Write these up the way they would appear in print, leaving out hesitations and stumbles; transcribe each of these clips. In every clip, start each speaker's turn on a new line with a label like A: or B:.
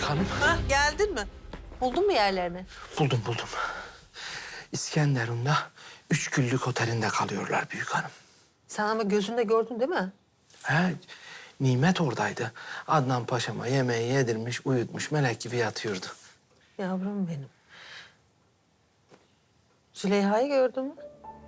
A: hanım.
B: Ha, geldin mi? Buldun mu yerlerini?
A: Buldum. İskenderun'da 3 güllük otelinde kalıyorlar büyük hanım.
B: Sen ama gözünde gördün değil mi?
A: He, Nimet oradaydı. Adnan Paşa'ma yemeği yedirmiş, uyutmuş, melek gibi yatıyordu.
B: Yavrum benim. Züleyha'yı gördün mü?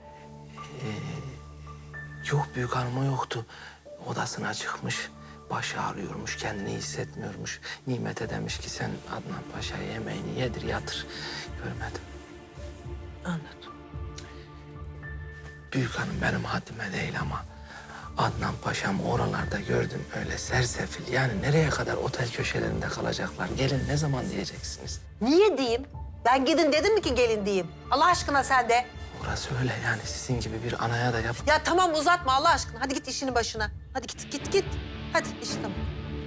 A: Yok büyük hanım, o yoktu. Odasına çıkmış, başı ağrıyormuş, kendini iyi hissetmiyormuş. Nimet'e demiş ki sen Adnan Paşa'ya yemeğini yedir, yatır. Görmedim.
B: Anladım.
A: Büyük hanım benim haddime değil ama Adnan Paşa'm oralarda gördüm öyle sersefil. Yani nereye kadar otel köşelerinde kalacaklar? Gelin ne zaman diyeceksiniz?
B: Niye diyeyim? Ben gidin dedim mi ki gelin diyeyim? Allah aşkına sen de.
A: Orası öyle yani sizin gibi bir anaya da yap.
B: Ya tamam uzatma Allah aşkına. Hadi git işinin başına. Hadi git. Hadi işine bak.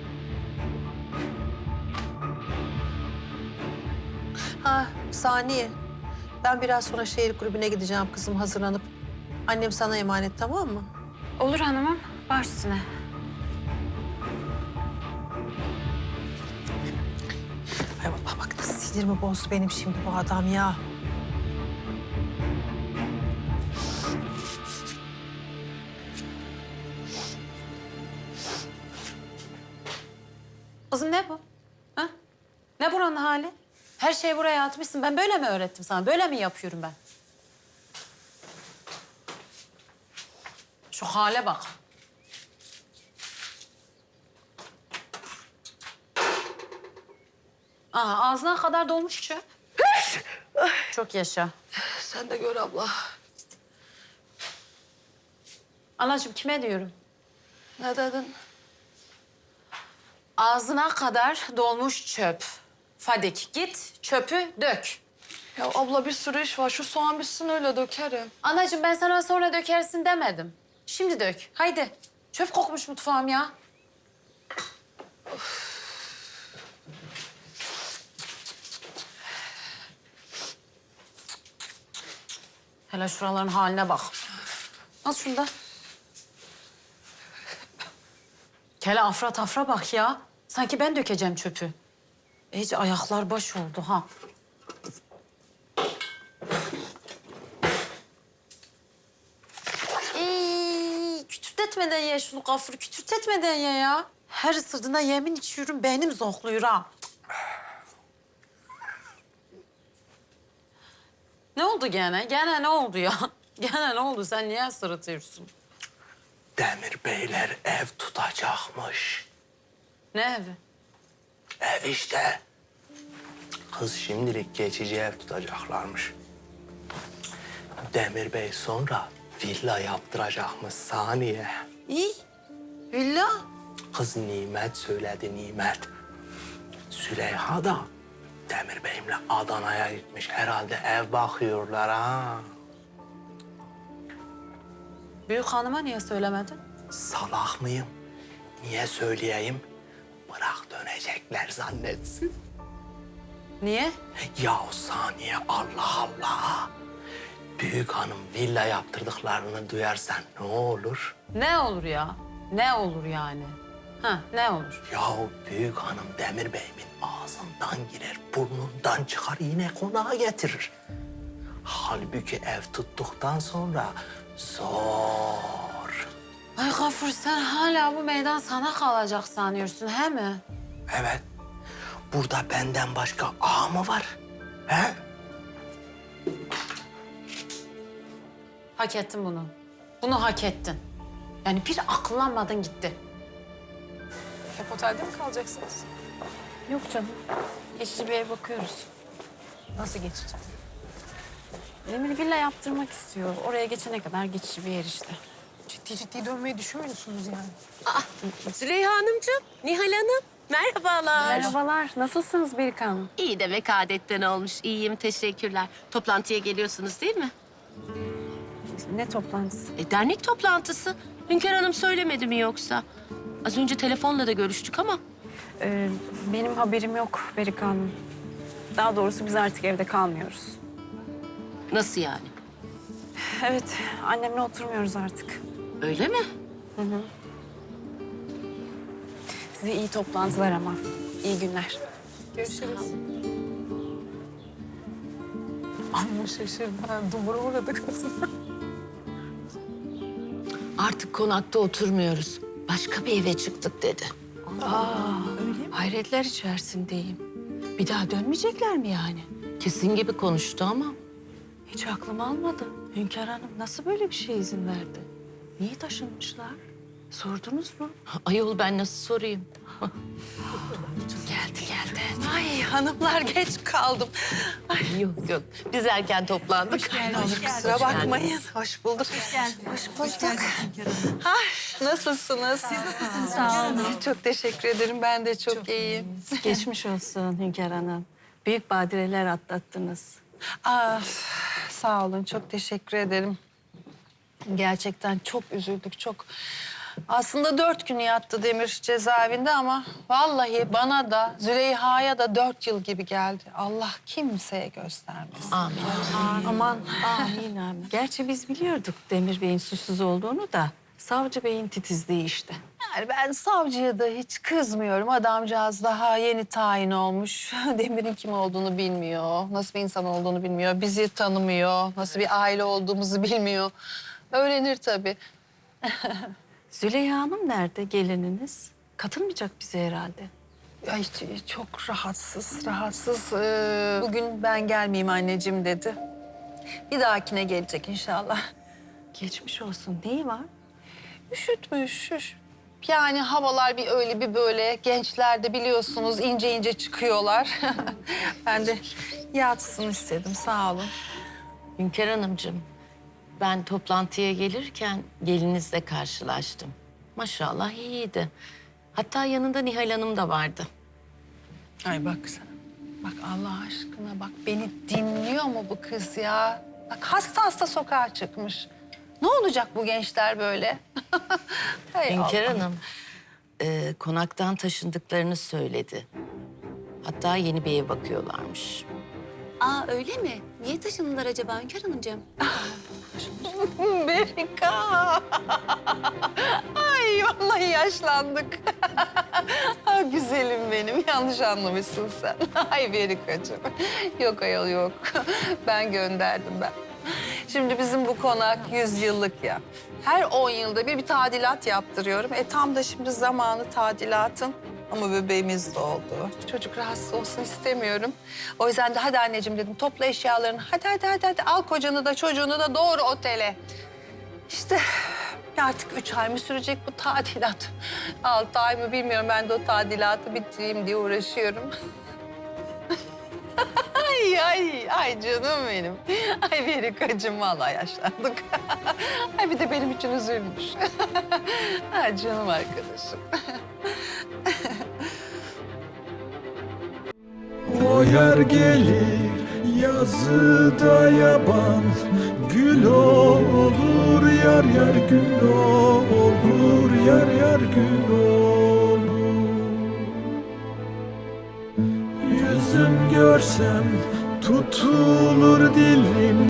B: Ha Saniye. Ben biraz sonra şehir kulübüne gideceğim kızım hazırlanıp. Annem sana emanet tamam mı?
C: Olur hanımım, baş üstüne.
B: Ay vallahi bak nasıl sinirimi bozdu benim şimdi bu adam ya.
C: Kızım ne bu? Ha? Ne buranın hali? Her şeyi buraya atmışsın. Ben böyle mi öğrettim sana? Böyle mi yapıyorum ben? Şu hale bak. Aha, ağzına kadar dolmuş çöp. Çok yaşa.
B: Sen de gör abla.
C: Anacığım kime diyorum?
B: Ne dedin?
C: Ağzına kadar dolmuş çöp. Fadik git çöpü dök.
D: Ya abla bir sürü iş var. Şu soğan bitsin öyle dökerim.
C: Anacığım ben sana sonra dökersin demedim. Şimdi dök. Haydi. Çöp kokmuş mutfağım ya. Hele şuraların haline bak. Al şunu da. Kele afra tafra bak ya. Sanki ben dökeceğim çöpü. İyice ayaklar baş oldu ha. Kütürtetmeden ye şunu Gafur, kütürtetmeden ye ya. Her ısırdığına yemin içiyorum, beynim zonkluyor ha. Ne oldu gene? Gene ne oldu ya? Gene ne oldu? Sen niye sırıtıyorsun?
A: Demir Beyler ev tutacakmış.
C: Ne evi?
A: Ev işte. Kız şimdilik geçici ev tutacaklarmış. Demir Bey sonra villa yaptıracakmış Saniye.
B: İyi. Villa.
A: Kız Nimet söyledi, Nimet. Süleyha da Demir Bey'imle Adana'ya gitmiş. Herhalde ev bakıyorlar ha.
C: Büyük hanıma niye söylemedin?
A: Salak mıyım? Niye söyleyeyim? Bırak dönecekler zannetsin.
C: Niye?
A: Yahu Saniye Allah Allah. Büyük hanım villa yaptırdıklarını duyarsan ne olur?
C: Ne olur ya? Ne olur yani? Ha, ne olur?
A: Yahu büyük hanım Demir Bey'imin ağzından girer, burnundan çıkar yine konağa getirir. Halbuki ev tuttuktan sonra zor.
C: Ay Gafur sen hala bu meydan sana kalacak sanıyorsun he mi?
A: Evet. Burada benden başka ağa mı var? He?
C: Hak ettin bunu. Bunu hak ettin. Yani bir akıllanmadın gitti.
D: Hep otelde mi kalacaksınız?
C: Yok canım. Geçici bir ev bakıyoruz.
B: Nasıl geçeceğim?
C: Demir villa yaptırmak istiyor. Oraya geçene kadar geçici bir yer işte.
D: Ciddi dönmeyi düşünmüyorsunuz yani.
E: Züleyha Hanımcığım, Nihal Hanım. Merhabalar.
C: Merhabalar. Nasılsınız Berik Hanım?
E: İyi demek adetten olmuş. İyiyim, teşekkürler. Toplantıya geliyorsunuz değil mi?
C: Ne toplantısı?
E: Dernek toplantısı. Hünkar Hanım söylemedi mi yoksa? Az önce telefonla da görüştük ama.
F: Benim haberim yok Berik Hanım. Daha doğrusu biz artık evde kalmıyoruz.
E: Nasıl yani?
F: Evet, annemle oturmuyoruz artık.
E: Öyle mi?
F: Size iyi toplantılar ama. İyi günler.
B: Görüşürüz. Amma şaşırdım. Dumura uğradı kızım.
G: Artık konakta oturmuyoruz. Başka bir eve çıktık dedi.
C: Hayretler içerisindeyim. Bir daha dönmeyecekler mi yani?
G: Kesin gibi konuştu ama.
C: Hiç aklım almadı. Hünkâr Hanım nasıl böyle bir şeye izin verdi? Niye taşınmışlar? Sordunuz mu?
G: Ayol ben nasıl sorayım?
C: Geldi.
B: Ay hanımlar geç kaldım.
G: Yok yok. Biz erken toplandık.
B: Kusura bakmayın. Hoş bulduk. Hoş bulduk. Nasılsınız? Siz nasılsınız? Sağ olun. Çok teşekkür ederim. Ben de çok iyiyim.
F: Geçmiş olsun Hünkâr Hanım. Büyük badireler atlattınız.
B: Sağ olun. Çok teşekkür ederim. Gerçekten çok üzüldük. Çok. Aslında 4 gün yattı Demir cezaevinde ama vallahi bana da Züleyha'ya da 4 yıl gibi geldi. Allah kimseye göstermesin.
G: Amin.
F: Aman amin amin. Gerçi biz biliyorduk Demir Bey'in suçsuz olduğunu da Savcı Bey'in titizliği işte.
B: Yani ben savcıya da hiç kızmıyorum. Adamcağız daha yeni tayin olmuş. Demir'in kim olduğunu bilmiyor. Nasıl bir insan olduğunu bilmiyor. Bizi tanımıyor. Nasıl bir aile olduğumuzu bilmiyor. Öğrenir tabii.
F: Züleyha Hanım nerede gelininiz? Katılmayacak bize herhalde.
B: Ay, çok rahatsız. Bugün ben gelmeyeyim anneciğim dedi. Bir dahakine gelecek inşallah.
F: Geçmiş olsun. Neyi var?
B: Üşütmüş. Yani havalar bir öyle bir böyle. Gençler de biliyorsunuz ince ince çıkıyorlar. Ben de yatsın istedim. Sağ olun.
G: Hünkâr Hanımcığım, ben toplantıya gelirken gelinizle karşılaştım. Maşallah iyiydi. Hatta yanında Nihal Hanım da vardı.
B: Ay bak sen. Bak Allah aşkına bak beni dinliyor mu bu kız ya? Bak hasta sokağa çıkmış. Ne olacak bu gençler böyle? Hay
G: Hünkâr
B: Allah.
G: Hanım, konaktan taşındıklarını söyledi. Hatta yeni bir ev bakıyorlarmış.
H: Aa öyle mi? Niye taşındılar acaba Hünkâr Hanımcığım?
B: Berika. Ay vallahi yaşlandık. Güzelim benim. Yanlış anlamışsın sen. Ay Berikacığım. Yok ayol yok. Ben gönderdim ben. Şimdi bizim bu konak 100 yıllık ya. Her 10 yılda bir tadilat yaptırıyorum. Tam da şimdi zamanı tadilatın. Ama bebeğimiz de oldu. Çocuk rahatsız olsun istemiyorum. O yüzden de hadi anneciğim dedim topla eşyalarını. Hadi al kocanı da çocuğunu da doğru otele. İşte artık 3 ay mı sürecek bu tadilat? 6 ay mı bilmiyorum. Ben de o tadilatı bitireyim diye uğraşıyorum. Ay canım benim. Ay Berikacığım vallahi yaşlandık. Ay bir de benim için üzülmüş. Ay canım arkadaşım.
I: O yer gelir yazıda yaban, gül olur yar yar gül olur yar yar gül olur. Yüzüm görsem tutulur dilim.